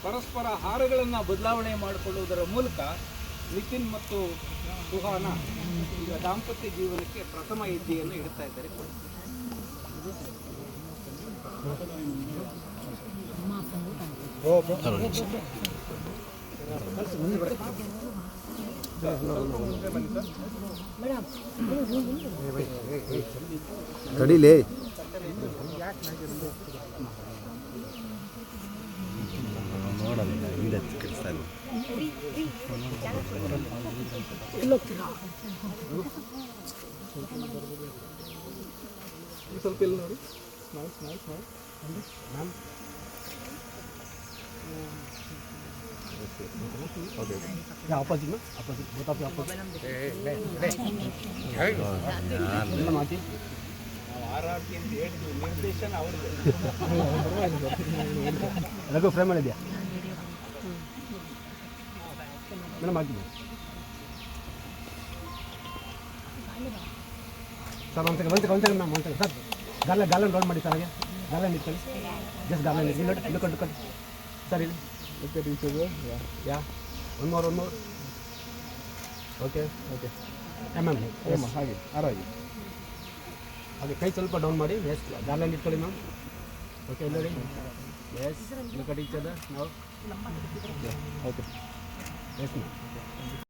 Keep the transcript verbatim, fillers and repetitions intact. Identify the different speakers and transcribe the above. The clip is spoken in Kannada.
Speaker 1: ಪರಸ್ಪರ ಹಾರಗಳನ್ನು ಬದಲಾವಣೆ ಮಾಡಿಕೊಳ್ಳುವುದರ ಮೂಲಕ ನಿತಿನ್ ಮತ್ತು ಸುಹಾನ ಈಗ ದಾಂಪತ್ಯ ಜೀವನಕ್ಕೆ ಪ್ರಥಮ ಹೆಜ್ಜೆಯನ್ನು ಇಡ್ತಾ ಇದ್ದಾರೆ.
Speaker 2: ತಡಿಲೇ ನೋಡಲ್ಲ ಹಿಂದೆ ಕೆಡಿಸ್ತಾ ಇಲ್ಲ.
Speaker 1: ಸ್ವಲ್ಪ ಇಲ್ಲ ನೋಡಿ. Nice nice nice ma'am.
Speaker 2: Okay
Speaker 1: opposite opposite ಗೊತ್ತಾಗ್ತಿ ಆಪೋಸಿಟ್ ಮಾತಿ ಆರಾಟಿ ಅಂತ ಹೇಳಿದ್ವಿ. ನಿರ್ದೇಶನ ಅವ್ರದ್ದು. ರಘು ಫ್ರೇಮ್ ಮಾಡಿದ್ಯಾ ಮೇಡಮ್? ಹಾಕಿ ಸರ್ ಒಂದು ಸೆಕೆಂಡ್ ಒಂದು ಸೆಕೆಂಡ್ ಒಂದು ಸೆಕೆಂಡ್ ಮ್ಯಾಮ್ ಒಂದು ಸೆಕೆಂಡ್ ಸರ್. ಗಾರ್ಲ ಗಾರ್ಲನ್ ರೋಲ್ ಮಾಡಿ ಸರ್. ಹಾಗೆ ಗಾರ್ಲನ್ ಇಟ್ಕೊಳ್ಳಿ. ಜಸ್ಟ್ ಗಾರ್ಲನ್ ಇಲ್ಲಿ ನೋಡಿ. ಇಲ್ಲಿ ಕೊಟ್ಟು ಕೊಟ್ಟು ಸರ್ ಇಲ್ಲಿ okay teacher yeah one more one more okay okay ma'am ma'am ಹಾಗೆ ಆರಾಗಿ ಹಾಗೆ ಕೈ ಸ್ವಲ್ಪ ಡೌನ್ ಮಾಡಿ. ಎಸ್ ಗಾರ್ಲನ್ ಇಟ್ಕೊಳ್ಳಿ ಮ್ಯಾಮ್. ಓಕೆ ಇಲ್ಲಿ ನೋಡಿ. Yes look at each other ನಾವು ಓಕೆ ಎಸ್ ಮ್ಯಾಮ್.